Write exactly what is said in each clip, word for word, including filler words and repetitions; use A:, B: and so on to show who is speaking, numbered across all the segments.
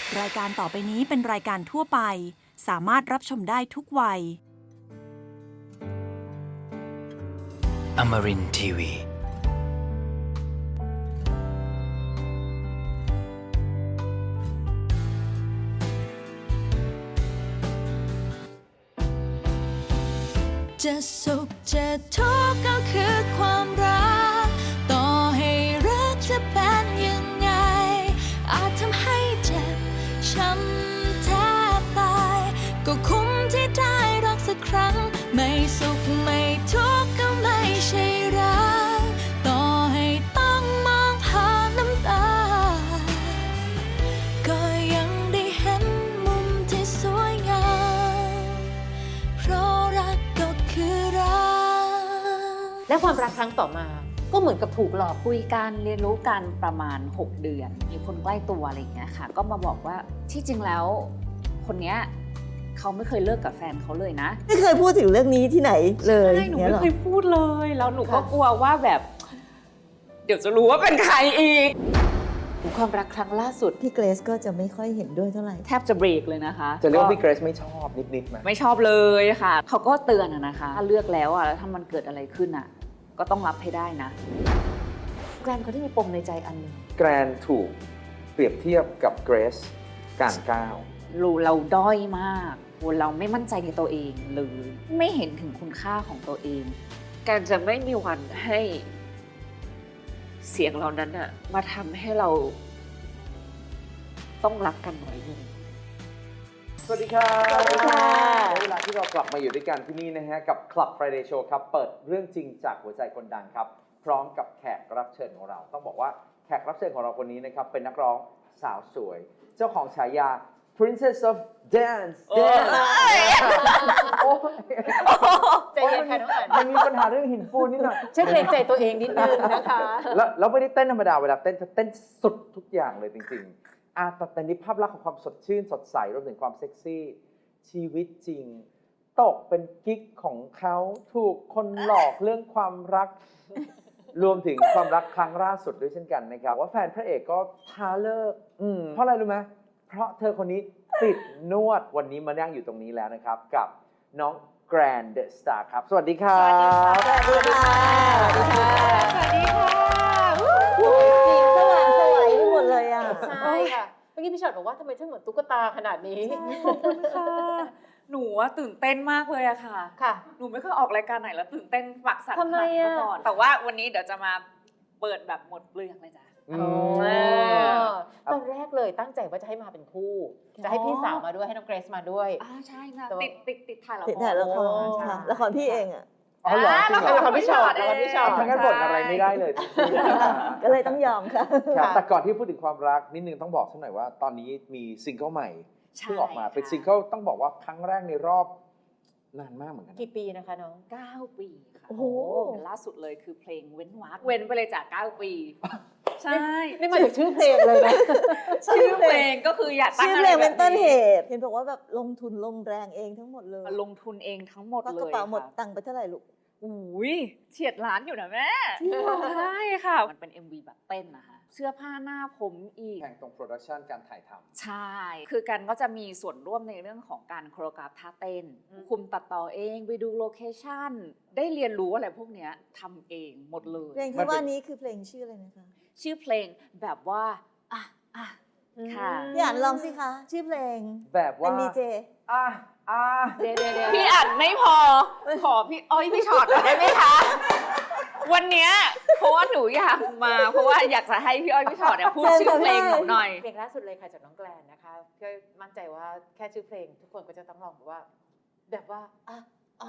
A: รายการต่อไปนี้เป็นรายการทั่วไปสามารถรับชมได้ทุกวัย
B: Amarin ที วี
C: จะสุขจะทุกข์ก็คือความรักต่อให้รักจะเป็นยังไงอาจทำให้เจ็บช้ำแทบตายก็คุ้มที่ได้รักสักครั้งไม่สุขไม่ทุกข์ก็ไม่ใช่รักต่อให้ต้องมองผ่านน้ำตาก็ยังได้เห็นมุมที่สวยงามเพราะรักก็คือรัก
D: และความรักครั้งต่อมาก็เหมือนกับถูกหลอก
E: คุยกันเรียนรู้กันประมาณหกเดือนมีคนใกล้ตัวอะไรอย่างเงี้ยค่ะก็มาบอกว่าที่จริงแล้วคนเนี้ยเขาไม่เคยเลิกกับแฟนเขาเลยนะ
F: ไม่เคยพูดถึงเรื่องนี้ที่ไหนเลย
E: ใช่หนู
F: งี้
E: ไม่
F: หรอ
E: เคยพูดเลยแล้วหนูก็กลัวว่าแบบ เดี๋ยวจะรู้ว่าเป็นใครอีกความรักครั้งล่าสุด
F: พี่เกรซก็จะไม่ค่อยเห็นด้วยเท่าไหร่
E: แทบจะเบรกเลยนะคะ
G: จะเรียกว่าพี่เกรซไม่ชอบนิดๆไหม
E: ไม่ชอบเลยค่ะเขาก็เตือนอะนะคะถ้าเลือกแล้วอะแล้วถ้ามันเกิดอะไรขึ้นอะก็ต้องรับให้ได้นะ
D: แกรนเขาที่มีปมในใจอันหนึ่ง
G: แกรนถูกเปรียบเทียบกับเกรซการก้าว
E: เราเราด้อยมากเราไม่มั่นใจในตัวเองเลยไม่เห็นถึงคุณค่าของตัวเองการจะไม่มีวันให้เสียงเหล่านั้นอะมาทำให้เราต้องรักกันน้อยลง
G: สวัสดีครับ
F: สวัสดีค่ะ
G: ได้เวลาที่เรากลับมาอยู่ด้วยกันที่นี่นะฮะกับ Club Friday Show ครับเปิดเรื่องจริงจากหัวใจคนดังครับพร้อมกับแขกรับเชิญของเราต้องบอกว่าแขกรับเชิญของเราคนนี้นะครับเป็นนักร้องสาวสวย เจ้าของฉายา Princess of Dance Dance โอ้ย
D: ใจเย็นค่ะน้องอัน
G: มันมีปัญหาเรื่องหินปูนนิดหน่อย
D: ช่วยเกรงใจตัวเองนิดนึงนะคะ
G: แล้วแล้วไม่ได้เต้นธรรมดาเวลาเต้นจะเต้นสุดทุกอย่างเลยจริงๆอาแต่แต่นี่ภาพลักษณ์ของความสดชื่นสดใสรวมถึงความเซ็กซี่ชีวิตจริง ตกเป็นกิ๊กของเขาถูกคนหลอกเรื่องความรัก รวมถึงความรักครั้งล่าสุดด้วยเช่นกันนะครับว่าแฟนพระเอกก็ท้าเลิกอืมเพราะอะไรรู้ไหมเพราะเธอคนนี้ติดนวดวันนี้มานั่งอยู่ตรงนี้แล้วนะครับกับน้องแกรนเดอะสตาร์ครับสวัสดีครับ
F: สวัสดีค่ะ
D: สวัสดีค่ะ
E: สวัสดีค่ะ
F: สีสว่างสวยไปหมดเลยอ่ะ
D: ใช่ค่ะเมื่อกี้พี่ชอตบอกว่าทำไมฉันเหมือนตุ๊กตาขนาดนี้
E: ขอบคุณค่ะหนูว่าตื่นเต้นมากเลยอะค่ะ
D: ค่ะ
E: หนูไม่เคยออกรายการไหนแล้วตื่นเต้นฝักสั่น
D: ทำไมอะ
E: มาก่อนแต่ว่าวันนี้เดี๋ยวจะมาเปิดแบบหมดเปลือกเลยจ้ะ
G: อื
D: อ๋อ
G: ม
D: ตอนแรกเลยตั้งใจว่าจะให้มาเป็นคู่ จะให้พี่สาวมาด้วยให้น้องเกรซมาด้วย
E: อ่าใช่ค่ะ
D: แต่ว่า
E: ติดติดติดถ่ายละคร
F: ติดถ่ายละคร
D: ใช่
F: ค่ะละครพี่เองอ่ะ
G: อ๋อเหรอจริงเหรอ
D: ละครพี่ชอตละครพี่ชอต
G: ทั้งนั้นบ่นอะไรไม่ได้เลย
F: ก็เลยต้องยอมค่ะ
G: ครับแต่ก่อนที่พูดถึงความรักนิดนึงต้องบอกสักหน่อยว่า ตอนนี้มีซิงเกิลใหม่
E: ใช่
G: เพิ่งออกมา
E: ค่ะ
G: เป็นซิงเกิลต้องบอกว่าครั้งแรกในรอบนานมากเหมือนกันนะ
D: กี่ปีนะคะน้อง
E: เก้าปีค่ะ
F: โอ้โห
E: ล่าสุดเลยคือเพลงเว้นวรรคเว้นไปเลยจากเก้าปี ใช่
D: นี่มาจากชื่อเพลงเลยนะ
E: ชื่อเพลงก็คืออยากตั้ง
F: ชื่อ
E: อะ
F: เพ
E: ไร
F: ลง
E: แบ
F: เป็น
E: บ
F: ต้นเห
E: นี้
F: ตุ เห็นบอกว่าแบบลงทุนลงแรงเองทั้งหมดเลย
E: ลงทุนเองทั้งหมด
F: ก็
E: เล
F: กระ
E: ย
F: เป๋าหมด
E: ค่ะ
F: ตังค์ไปเท่าไหร่ลูก
E: อุ้ยเฉียดล้านอยู่นะแม่
F: จริงเหรอ
E: ใช่ค่ะ มันเป็น เอ็ม วี แบบเต้นนะคะเสื้อผ้าหน้าผมอีก
G: แข่งตรงโปรดักชันการถ่ายทำ
E: ใช่ คือกันก็จะมีส่วนร่วมในเรื่องของการโคโรกราฟท่าเต้น
D: อืม
E: คุมตัดต่อเอง ไปดูโลเคชั่น ได้เรียนรู้อะไรพวกเนี้ยทำเองหมดเลย
F: เพลง
G: มัน
F: ที่
G: เป็น
F: ว่านี้คือเพลงชื่ออะไรนะคะ
E: ชื่อเพลงแบบว่า อ่ะอ่ะ ค่ะ
F: พี่อ่านลองสิคะ ชื่อเพลง
G: แบบ
F: เป็
G: ว่าน
F: ดีเจ
G: อ่ะอ่ะ
D: เดี๋ยวเดี๋ยวเดี๋ยว
E: พี่อัดไม่พอ ขอพี่อ้อยพี่ช็อตได้ไหมคะ วันเนี้ยเพราะว่าหนูอยากมา เพราะว่าอยากจะให้พี่อ้อยพี่ช็อตเนี่ยพูดชื่อเพลงหนูหน่อย
D: เพลงล่าสุดเลยค่ะจากน้องแกลนนะคะก็มั่นใจว่าแค่ชื่อเพลงทุกคนก็จะต้องลองแบบว่า แบบว่าอ่ะอ่ะ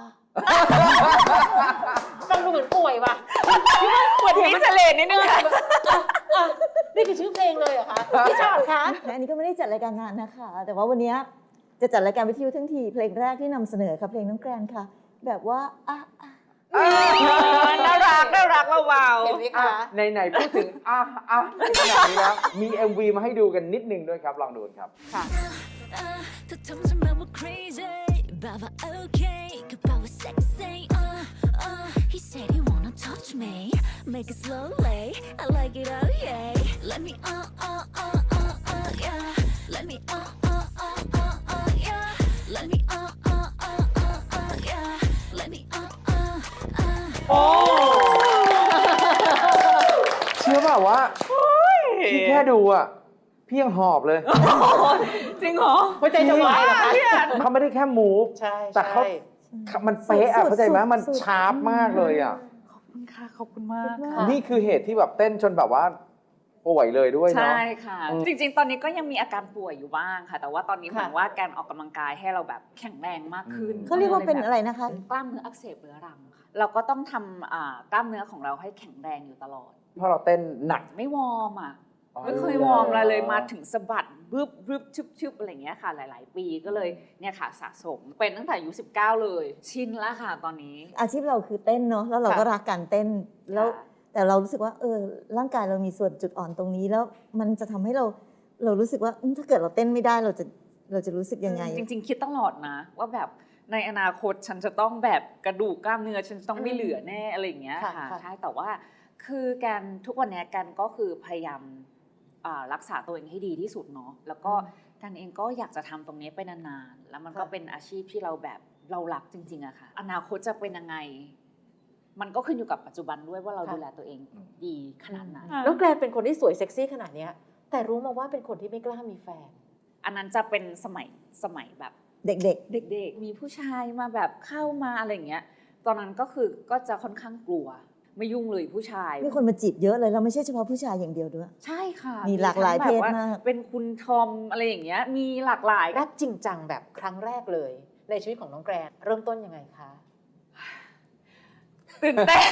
D: ฟังดูเหมือนป่วยว่ะ
E: เหมือนมิสเลนนิดนึงค่ะ
D: อ่ะนี่คือชื่อเพลงเลยเหรอคะพี่ชอตคะ
F: และอันนี้ก็ไม่ได้จัดรายการนานนะคะ แต่ว่าวันนี้จะจัดรายการวิทยุทั้งทีเพลงแรกที่นำเสนอค่ะเพลงน้องแกรนค่ะ แบบว่าอ่ะอ่ะ
E: น่ารักน่ารักเบา
D: เห็นไหม
G: อ่ะ
D: คะ
G: ไหนๆพูดถึงอ่ะอ่ะขนาดนี้แล้วมี เอ็ม วี มาให้ดูกันนิดนึงด้วยครับ ลองดูกันครับ
D: ค่ะ
C: เธอทำฉันแบบว่า crazy แบบว่า okay ก็แบบว่า sexy uh uh he said he wanna touch me make it slowly I like it oh yeah let me uh uh uh uh uh yeah let me uh
G: ดูอ่ะพี่ยังหอบเลย
E: จริงเหรอ
D: หัวใจจะวายเหรอคะ
G: เขาไม่ได้แค่มูฟ
D: ใช่
G: แต่เขา
D: ใช่
G: มันเป๊ะอะ
F: สุดๆ
G: เข้าใจไหมมัน
F: สุดๆ
G: ชาร์ปมากเลยอ่ะ
E: ขอบคุณค่ะ ขอบคุณมาก
F: ค่ะ
E: ค่ะ
G: นี่คือเหตุที่แบบเต้นจนแบบว่าป่วยเลยด้วยเนาะ
E: ใช่ค่ะ
G: อืม
E: จริงๆ ตอนนี้ก็ยังมีอาการป่วยอยู่บ้างค่ะ แต่ว่าตอนนี้เหมือนว่าการออกกำลังกายให้เราแบบแข็งแรงมากขึ้น
F: เขาเรียกว่าเป็นอะไรนะคะ
E: กล้ามเนื้ออักเสบเรื้อรังค่ะ เราก็ต้องทำอ่ากล้ามเนื้อของเราให้แข็งแรงอยู่ตลอด
G: เพราะเราเต้นหนัก
E: ไม่วอร์มอ่ะ ไม่เคยวอร์มอะไรเลยมาถึงสะบัดบึบบึบชึบชึบอะไรอย่างเงี้ยค่ะ หลาย ๆ ปีก็เลยเนี่ยค่ะสะสมเป็นตั้งแต่อายุสิบเก้าเลย ชินแล้วค่ะตอนนี้
F: อาชีพเราคือเต้นเนาะแล้วเราก็รักการเต้นแล้ว
E: ค่ะ
F: แต่เรารู้สึกว่าเออร่างกายเรามีส่วนจุดอ่อนตรงนี้แล้วมันจะทำให้เราเรารู้สึกว่าอืมถ้าเกิดเราเต้นไม่ได้เราจะเราจะรู้สึกยังไง
E: จริง ๆ คิดตลอดนะ ว่าแบบในอนาคตฉันจะต้องแบบกระดูกกล้ามเนื้อฉันจะต้องไม่เหลือแน่อะไรอย่างเงี้ย
D: ค่ะ
E: ค่ะ
D: ค่ะ
E: ใช่แต่ว่าคือการทุกวันนี้กันก็คือพยายามอ่ารักษาตัวเองให้ดีที่สุดเนาะแล้วก็กันเองก็อยากจะทำตรงนี้ไปนานๆแล้วมันก็เป็นอาชีพที่เราแบบเรารักจริงๆอะค่ะอนาคตจะเป็นยังไง มันก็ขึ้นอยู่กับปัจจุบันด้วยว่าเราดูแลตัวเองดีขนาดไหน
D: น้องแกรนเป็นคนที่สวยเซ็กซี่ขนาดเนี้ยแต่รู้มาว่าเป็นคนที่ไม่กล้ามีแฟน
E: อันนั้นจะเป็นสมัยสมัยแบบ
F: เด็ก
E: เด็กๆ มีผู้ชายมาแบบเข้ามาอะไรอย่างเงี้ย ตอนนั้นก็คือก็จะค่อนข้างกลัว ไม่ยุ่งเลยผู้ชาย
F: ๆมีคนมาจีบเยอะเลยเราไม่ใช่เฉพาะผู้ชายอย่างเดียวด้วย
E: ใช่ค่ะ
F: มีหลากหลาย
E: ทั้งแบบว่
F: เพศมาก
E: เป็นคุณทอมอะไรอย่างเงี้ย มีหลากหลาย
D: รักจริงจังแบบครั้งแรกเลย ในชีวิตของน้องแกรนเริ่มต้นยังไงคะ
E: ตื่นเต้น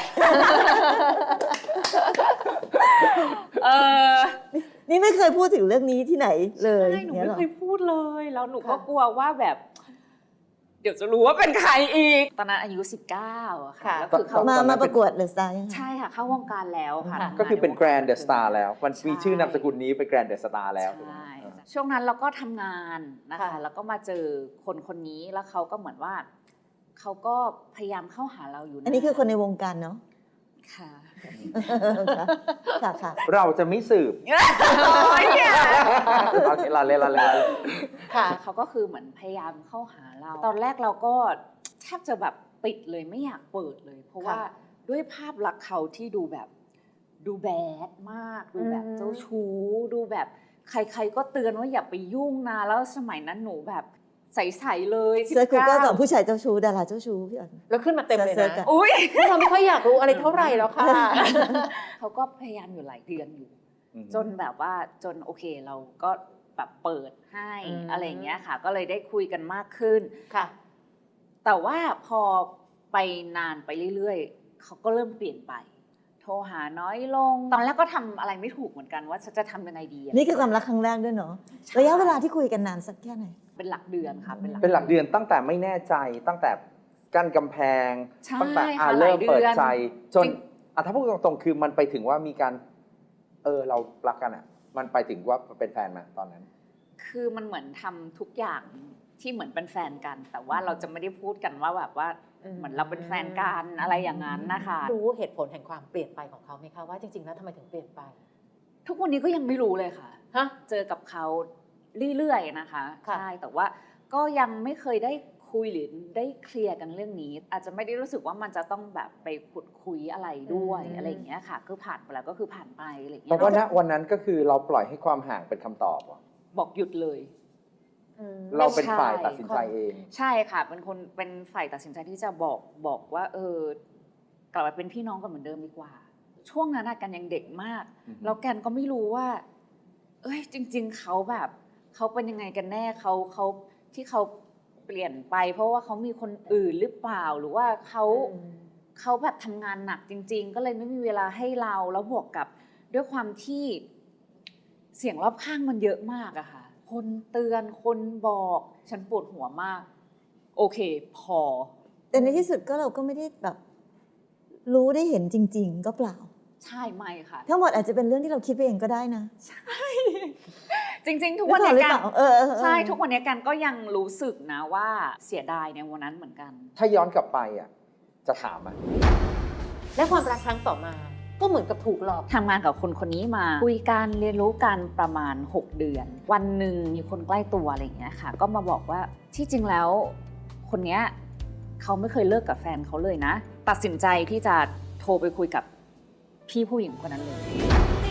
E: เออ
F: นี่ไม่เคยพูดถึงเรื่องนี้ที่ไหนเลย
E: ใช่หนู
F: งี้
E: ไม่
F: หรอ
E: เคยพูดเลย แล้วหนูก็
D: ค่ะ
E: กลัวว่าแบบ เดี๋ยวจะรู้ว่าเป็นใครอีก ตอนนั้นอายุสิบเก้าอะค่ะ แล้วคือเขา
F: มา
G: ตอนนั้น
F: มาประกวดเดอะสตาร์ยังไง
E: ใช่ค่ะ เข้าวงการแล้วค่ะ
D: ค่ะ
E: ทำงา
G: ก็คือเป็น
E: ใวง
G: แกรนด์เดอะสตาร์แล้ว มันมี
E: ใช่
G: ชื่อนามสกุลนี้เป็นแกรนด์เดอะสตาร์แล้วถูกไหม
E: ใช่
G: เออ
E: ช่วงนั้นเราก็ทำงานนะคะ
D: ค่ะ
E: แล้วก็มาเจอคนคนนี้แล้วเขาก็เหมือนว่าเขาก็พยายามเข้าหาเราอยู่นะ
F: อันนี้คือคนในวงการเนาะ
E: ค่ะ
F: ค่ะค่ะ
G: เราจะไม่สืบ
E: โอ้ยเนี่ย
G: เอาลาเล่นลาเล่นลาเล่น
D: ค่ะ
E: เขาก็คือเหมือนพยายามเข้าหาเรา ตอนแรกเราก็แทบจะแบบปิดเลยไม่อยากเปิดเลย เพราะว่า
D: ค่ะ
E: ด้วยภาพลักษณ์เขาที่ดูแบบดูแบดมากดูแบบ
D: อืม
E: เจ้าชู้ดูแบบใครๆก็เตือนว่าอย่าไปยุ่งนะแล้วสมัยนั้นหนูแบบใสๆเลย
F: เซิร์ชกูเกิล
E: สิบ
F: ก่อนผู้ชายเจ้าชู้ดาราเจ้าชู้พี่อ่อน
D: แล้วขึ้นมาเต็มเลย
F: เสิร์ช
D: นะ
F: ๆอะ
E: อุ้ย
D: เราไม่ค่อยอยากรู้อะไรเท่าไหร่แล้วค่ะ
E: เขาก็พยายามอยู่หลายเดือนอยู่
G: อืม
E: จนแบบว่าจนโอเคเราก็แบบเปิดให้
D: อืม
E: อะไรอย่างเงี้ยค่ะ ก็เลยได้คุยกันมากขึ้น
D: ค่ะ
E: แต่ว่าพอไปนานไปเรื่อยๆเขาก็เริ่มเปลี่ยนไป โทรหาน้อยลง ตอนแรกก็ทำอะไรไม่ถูกเหมือนกันว่าจะทำยังไงดีะ
F: นี่คือความรักครั้งแรกด้วยเนาะ
E: ใช่
F: ระยะเวลาที่คุยกันนานสักแค่ไหน
E: เป็นหลักเดือนค่ะเป็นหลัก
G: เป็นหลักเดือนตั้งแต่ไม่แน่ใจตั้งแต่กั้นกำแพง
E: ใช่
G: ตั้งแต่อ่า
E: ค่ะ
G: เริ่ม
E: หลาย
G: เปิด
E: อน
G: ใจ จน
E: จริง
G: อ่ะถ้าพูดตรงๆคือมันไปถึงว่ามีการ เออเรารักกันอ่ะ มันไปถึงว่าเป็นแฟนมาตอนนั้น
E: คือมันเหมือนทำทุกอย่างที่เหมือนเป็นแฟนกัน แต่ว่าเราจะไม่ได้พูดกันว่าแบบว่า
D: อืม
E: เหมือนเราเป็นแฟนกันอะไรอย่างนั้นนะคะ
D: รู้เหตุผลแห่งความเปลี่ยนไปของเขาไหมคะว่าจริงๆแล้วทำไมถึงเปลี่ยนไป
E: ทุกวันนี้ก็ยังไม่รู้เลยค่ะ
D: ฮะ
E: เจอกับเขาเรื่อยๆนะคะ
D: ค่ะ
E: ใช่แต่ว่าก็ยังไม่เคยได้คุยหรือได้เคลียร์กันเรื่องนี้ อาจจะไม่ได้รู้สึกว่ามันจะต้องแบบไปขุดคุยอะไรด้วยอะไรอย่างเงี้ยค่ะคือผ่านไปแล้วก็คือผ่านไปอะไรอย่างเงี้
G: แต่
E: ย
G: ว่าณวันนั้นก็คือเราปล่อยให้ความห่างเป็นคำตอบว่ะ
E: บอกหยุดเลย
D: อืม
G: เราเป็น
E: ใช่
G: ฝ่ายตัดสินใจเอง
E: ใช่ค่ะ เป็นคนเป็นฝ่ายตัดสินใจที่จะบอกบอกว่า เออกลับมาเป็นพี่น้องกันเหมือนเดิมดีกว่า ช่วงนั้นน่ะกันยังเด็กมาก
G: อือฮึ
E: แล้วแกนก็ไม่รู้ว่า เอ้ยจริง ๆเขาแบบเขาเป็นยังไงกันแน่เขาเขาที่เขาเปลี่ยนไป เพราะว่าเขามีคนอื่นหรือเปล่าหรือว่าเขา
D: อืม
E: เขาแบบทำงานหนักจริง ๆ ก็เลยไม่มีเวลาให้เราแล้วบวกกับด้วยความที่เสียงรอบข้างมันเยอะมากอะค่ะ คนเตือนคนบอกฉันปวดหัวมาก โอเค พอ
F: แต่ในที่สุดก็เราก็ไม่ได้แบบ รู้ได้เห็นจริง ๆ ก็เปล่า
E: ใช่ไหมค่ะ
F: ทั้งหมดอาจจะเป็นเรื่องที่เราคิดไปเองก็ได้นะ
E: จริง ๆ ทุกวันนี้
F: หรือ
E: กั
F: เป
E: น
F: ล่าเออเออเออ
E: ใช่ทุกวันนี้กันก็ยังรู้สึกนะว่าเสียดายในวันนั้นเหมือนกัน
G: ถ้าย้อนกลับไปอ่ะ จะถามอ่ะ
D: และความรักครั้งต่อมา ก็เหมือนกับถูกหลอก
E: ทำงานกับคนคนนี้มาคุยกันเรียนรู้กันประมาณ หก เดือน วันหนึ่งมีคนใกล้ตัวอะไรอย่างเงี้ยค่ะ ก็มาบอกว่าที่จริงแล้ว คนเนี้ยเขาไม่เคยเลิกกับแฟนเขาเลยนะ ตัดสินใจที่จะโทรไปคุยกับพี่ผู้หญิงคนนั้นเลย